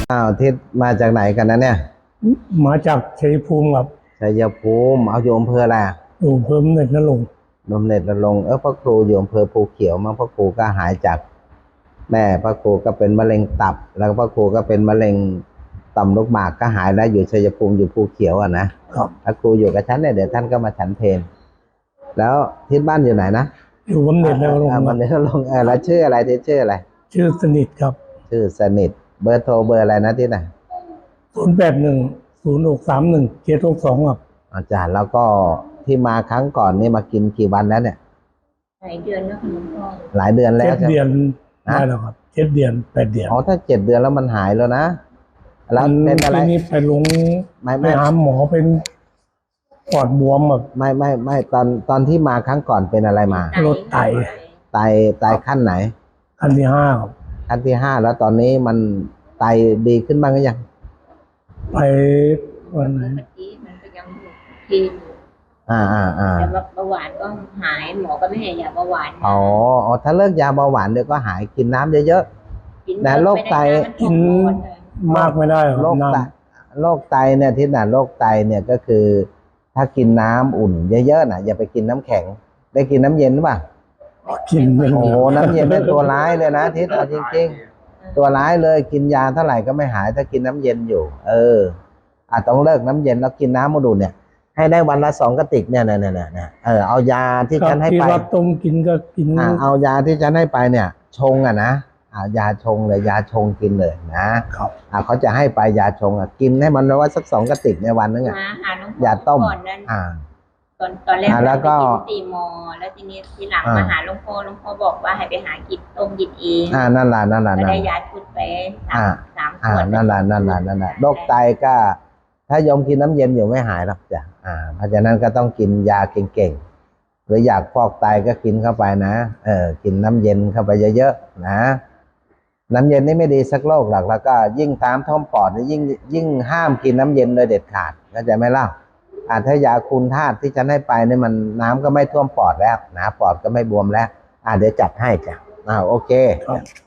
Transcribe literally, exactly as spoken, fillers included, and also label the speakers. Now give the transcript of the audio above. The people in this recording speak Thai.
Speaker 1: อ้าวทิศมาจากไหนกันนะเนี่ย
Speaker 2: มาจากชัยภูมิครับ
Speaker 1: ชัยภูมิเอาอยู่อำเภออะไร
Speaker 2: อยู่อำเภอเน็ตนรงค์
Speaker 1: นมเน็ตนรงค์เออพระครูอยู่อำเภอภูเขียวมั้งพระครูก็หายจากแม่พระครูก็เป็นมะเร็งตับแล้วพระครูก็เป็นมะเร็งต่อมลูกหมากก็หายแล้วอยู่ชัยภูมิอยู่ภูเขียวอ่ะนะครับพระครูอยู่กับฉันเนี่ยเดี๋ยวท่านก็มาฉันเพลแล้วทิศบ้านอยู่ไหนนะ
Speaker 2: อยู่บำเหน็จนรงค์
Speaker 1: บำเหน็จนรงค์เออแล้วชื่ออะไรที่ชื่ออะไร
Speaker 2: ชื่อสนิทครับ
Speaker 1: ชื่อสนิทเบอร์โทรเบอร์อะไรนะที่ไหน
Speaker 2: ศูนย์แปดหนึ่งศูนย์หกสามหนึ่งเจ็ดหกสองครับ
Speaker 1: อาจารย์แล้วก็ที่มาครั้งก่อนนี่มากินกี่วันแล้วเนี่ย
Speaker 3: หลายเดือนแล้วคุณพ่อ
Speaker 1: หลายเดือนแล้ว
Speaker 2: เจ็ดเดือนได้แล้วครับเจ็ดเดือนแปดเดือน
Speaker 1: อ๋อถ้าเจ็ดเดือนแล้วมันหายแล้วนะแล้วเป็นอะไร
Speaker 2: นี่ไปลง
Speaker 1: ไม่
Speaker 2: ไปหาหมอเป็นปอดบวมแบบ
Speaker 1: ไม่ไม่ไม่ตอนตอนที่มาครั้งก่อนเป็นอะไรมา
Speaker 2: โรคไต
Speaker 1: ไตไตขั้นไหน
Speaker 2: ขั้นที่ห้าครับ
Speaker 1: ขั้นที่ห้าแล้วตอนนี้มันไตดีขึ้นบ้างหรือยัง
Speaker 2: ไปวันไหน
Speaker 3: เมื่อกี้มันก็ยังอยู่ที่
Speaker 1: อ่าอ่าอ่า
Speaker 3: แต่ว่าเบาหวานก็หายหมอก็ไม่ให้ยาเบาหวาน
Speaker 1: อ๋ออ๋อถ้าเลิกยาเบาหวานเดี๋ยวก็หายกินน้ำเยอะๆแต่โรคไต
Speaker 2: กินมากไม่ได้
Speaker 1: โรคไตโรคไตเนี่ยที่น่ะโรคไตเนี่ยก็คือถ้ากินน้ำอุ่นเยอะๆนะอย่าไปกินน้ำแข็งได้กินน้ำเย็นหรือเปล่า
Speaker 2: กิน
Speaker 1: โอ้โหน้ำเย็นเป็นตัวร้ายเลยนะทิศเอาจริงๆตัวร้ายเลยกินยาเท่าไหร่ก็ไม่หายถ้ากินน้ำเย็นอยู่เอออาจต้องเลิกน้ำเย็นแล้วกินน้ำมาดูเนี่ยให้ได้วันละสองกระติกเนี่ยเนี่ยเนี่ยเนี่ยเออเอายาที่ฉันให้ไป
Speaker 2: ที่ว่าต้มกินก็กิน
Speaker 1: เอายาที่ฉันให้ไปเนี่ยชงอ่ะนะเอายาชงเลยยาชงกินเลยนะครับอ่าเขาจะให้ไปยาชงอ่ะกินให้มันว่าสักสองกระติกในวันนึงอ่ะยาต้มอ่า
Speaker 3: ตอนตอนแรกแล้วก็ตีมอแล้วทีนี้ทีหลังมาหาหลวงพ่อหลวงพ่อบอกว่าให้ไปหากินต้มกินเอง
Speaker 1: อ่านั่นแหละนั่นแหละ
Speaker 3: ก็ได้ยาชุดไปสามสามขวด
Speaker 1: นั่นแหละนั่นแหละนั่นแหละโรคไตก็ถ้ายอมกินน้ำเย็นอยู่ไม่หายหรอกจ้ะอ่าเพราะฉะนั้นก็ต้องกินยาเก่งๆหรืออยากฟอกไตก็กินเข้าไปนะเออกินน้ำเย็นเข้าไปเยอะๆนะน้ำเย็นนี่ไม่ดีสักโรคหรอกแล้วก็ยิ่งตามท้องปอดยิ่งยิ่งห้ามกินน้ำเย็นโดยเด็ดขาดเข้าใจไหมล่ะอาถ้ายาคูณธาตุที่ฉันให้ไปเนี่ยมันน้ำก็ไม่ท่วมปอดแล้วนะปอดก็ไม่บวมแล้วอ่าเดี๋ยวจัดให้จ้ะอ่าโอเค